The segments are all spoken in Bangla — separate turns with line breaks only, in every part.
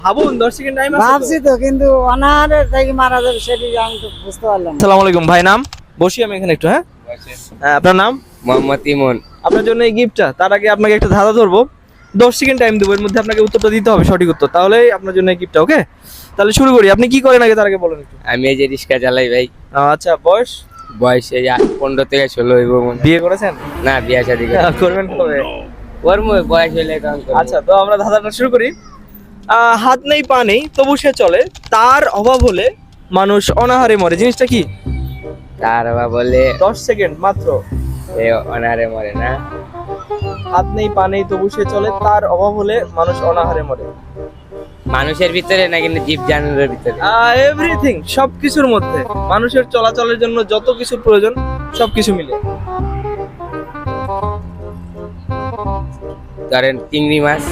ভাবুন 10 সেকেন্ড টাইম আছে
ভাবছি তো, কিন্তু অনাহারে থেকে মারা যাবে সেটি আমি তো বুঝতে পারলাম না।
আসসালামু আলাইকুম ভাই, নাম? বসি আমি এখানে একটু। হ্যাঁ, আপনার নাম?
মোহাম্মদ ইমন।
আপনার জন্য এই গিফটটা। তার আগে আপনাকে একটা ধাঁধা ধরবো, 10 সেকেন্ড টাইম দেবো, এর মধ্যে আপনাকে উত্তরটা দিতে হবে, সঠিক উত্তর, তাহলেই আপনার জন্য এই গিফটটা। ওকে, তাহলে শুরু করি। আপনি কি করেন আগে তার আগে বলেন একটু।
আমি এই যে রিক্সা চালাই ভাই।
আচ্ছা, বয়স?
বয়স এই 15 থেকে 16 হইব মনে হয়।
বিয়ে করেছেন?
না, বিয়া শাদী
করবেন কবে?
বয়স হইলে কারণ
আচ্ছা, তো আমরা ধাঁধাটা শুরু করি। হাত নেই পা নেই তবু সে চলে, তার অভাব হলে মানুষ অনাহারে মরে, জিনিসটা কি?
তার বাবা বলে
10 সেকেন্ড মাত্র।
এ অনারে মরে না।
হাত নেই পা নেই তবু সে চলে, তার অভাব হলে মানুষ অনাহারে মরে।
মানুষের ভিতরে না কিন্তু জীব জানোয়ারের ভিতরে।
এভরিথিং, সবকিছুর মধ্যে, মানুষের চলাচলের জন্য যত কিছু প্রয়োজন সবকিছু মিলে।
ধরেন চিংড়ি মাছ।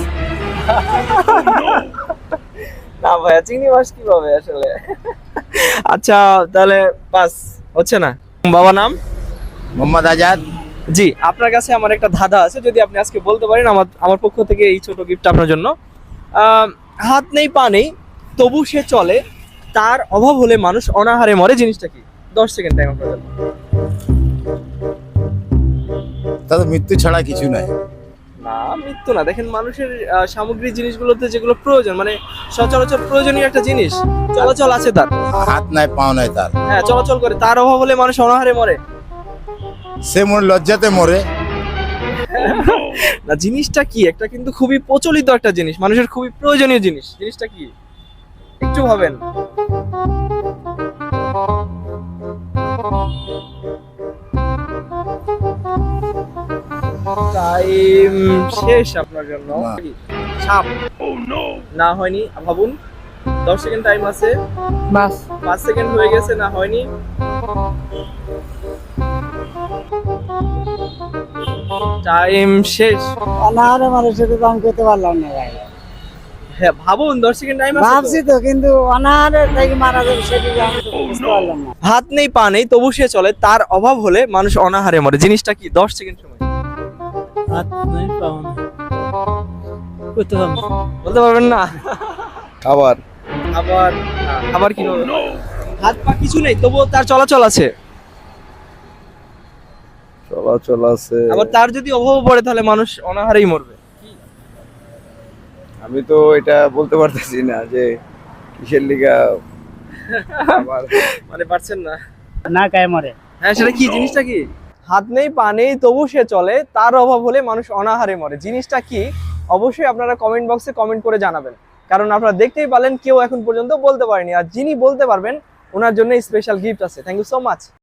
না ভাইয়া, চিংড়ি মাছ কিভাবে আসলে? আচ্ছা, তাহলে পাস হচ্ছে না। বাবা নাম?
মোহাম্মদ আজাদ।
জি, আপনার কাছে আমার একটা ধাঁধা আছে, যদি আপনি আজকে বলতে পারেন, আমার পক্ষ থেকে এই ছোট গিফট আপনার জন্য। হাত নেই পা নেই তবু সে চলে, তার অভাব হলে মানুষ অনাহারে মরে, জিনিসটা কি? 10 সেকেন্ড টাইম আপনার জন্য।
তাদের মৃত্যু ছাড়া কিছু নাই।
না, মৃত্যু না। দেখেন, মানুষের সামগ্রিক জিনিসগুলোতে যেগুলো প্রয়োজন, মানে সচরাচর প্রয়োজনীয় একটা জিনিস, চলাচল আছে তার।
হাত নাই পাও নাই তার,
হ্যাঁ, চলাচল করে, তার অভাব হলে মানুষ অনাহারে মরে।
সে মনে লজ্জাতে মরে।
না, জিনিসটা কি? একটা কিন্তু খুবই প্রচলিত একটা জিনিস, মানুষের খুবই প্রয়োজনীয় জিনিস, জিনিসটা কি? একটু ভাবেন। টাইম শেষ আপনার জন্য।
না।
সাপ? না, হয়নি, ভাবুন। 10 সেকেন্ড টাইম আছে।
বাস
5 সেকেন্ড হয়ে গেছে, না হয়নি। টাইম শেষ।
অনাহারে মারা সেটা তো আমি করতে পারলাম না ভাই।
হ্যাঁ, ভাবুন, 10 সেকেন্ড টাইম আছে।
ভাবছি তো, কিন্তু অনাহারে থেকে মারা যাবে সেটি আমি তো বুঝতে পারলাম না।
হাত নেই পা নেই তবু সে চলে, তার অভাব হলে মানুষ অনাহারে মরে, জিনিসটা কি? 10 সেকেন্ড সময়।
হাত নাই পাও নাই করতে পারলাম না।
বলতে পারবেন না?
আবার
আবার আবার কি হবে? হাত পা কিছু নেই তবুও তার চলাচল আছে,
চলাচল আছে।
আবার তার যদি অভাব পড়ে তাহলে মানুষ অনাহারেই মরবে।
আমি তো এটা বলতে পারতেছি না যে কিসের লিগা। আবার
মানে পারছেন না?
না গায়ে মরে।
হ্যাঁ, সেটা কি? জিনিসটা কি? হাত নেই পা নেই তবু সে চলে, তার অভাব হলে মানুষ অনাহারে মরে, জিনিসটা কি? অবশ্যই আপনারা কমেন্ট বক্সে কমেন্ট করে জানাবেন, কারণ আপনারা দেখতেই পারলেন কেউ এখন পর্যন্ত বলতে পারেনি, আর যিনি বলতে পারবেন ওনার জন্য স্পেশাল গিফট আছে। Thank you so much.